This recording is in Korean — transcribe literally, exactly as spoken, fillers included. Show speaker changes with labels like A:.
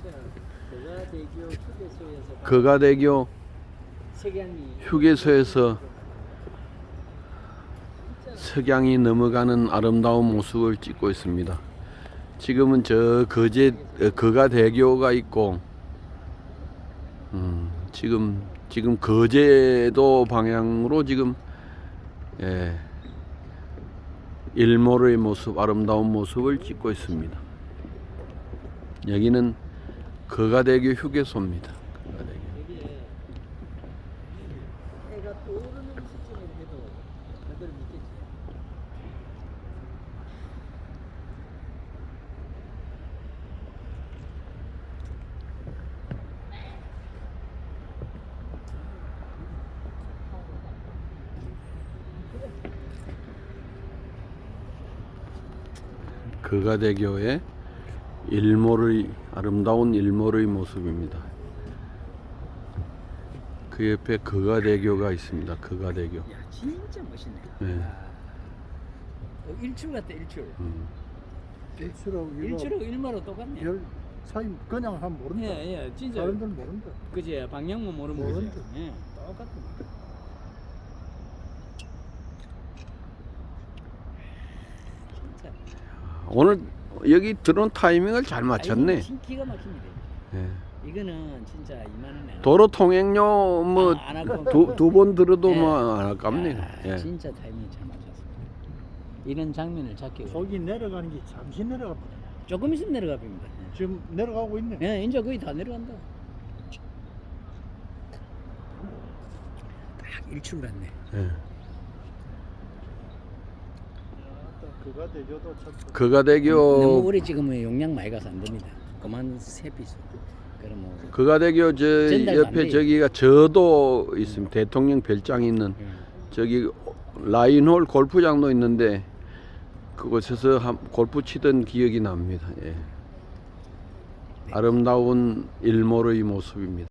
A: 거가대교 휴게소에서
B: 거가대교
A: 석양이
B: 휴게소에서 석양이 넘어가는 아름다운 모습을 찍고 있습니다. 지금은 저 거제 어, 거가대교가 있고, 음, 지금 지금 거제도 방향으로 지금 예, 일몰의 모습, 아름다운 모습을 찍고 있습니다. 여기는 거가대교 휴게소입니다. 거가대교.
A: 여기에 해가 떠오르는 시점에 해도 그들 믿겠지.
B: 거가대교의 일몰의 아름다운 일몰의 모습입니다. 그 옆에 거가대교가 있습니다. 거가대교.
A: 야 진짜 멋있네.
B: 네.
A: 아, 어, 일출 같다 일출.
B: 음.
C: 일출하고 이거
A: 일출하고 일마로 똑같네.
C: 별 사이 그냥 하면 모른다.
A: 예, 예, 진짜.
C: 사람들 모른다.
A: 그지 방향만 모르면
C: 모른다.
A: 그지. 예, 똑같다. 진짜.
B: 오늘 여기 들어온 타이밍을 잘 맞췄네.
A: 아이고, 기가 막힙니다.
B: 예.
A: 이거는 진짜 이만 원에.
B: 도로 통행료 뭐
A: 아, 안 아까워.
B: 두 두 번 들어도
A: 예.
B: 뭐 안 아깝네요.
A: 아,
B: 예.
A: 진짜 타이밍 잘 맞췄습니다. 이런 장면을 찾기 위해
C: 저기 내려가는 게 잠시 내려가.
A: 조금 있으면 내려가 봅니다.
C: 지금 내려가고 있네.
A: 예, 이제 거의 다 내려간다. 딱 일출 같네.
B: 예.
C: 그가 대교도 참.
A: 너무
B: 거가대교
A: 오래 찍으면 용량 많이 가서 안 됩니다. 그만 세 피스. 그럼 뭐.
B: 거가대교 저
A: 전달도 안
B: 옆에
A: 돼요.
B: 저기가 저도 있습니다. 대통령 별장이 있는
A: 예.
B: 저기 라인홀 골프장도 있는데 그곳에서 한 골프 치던 기억이 납니다. 예. 아름다운 일몰의 모습입니다.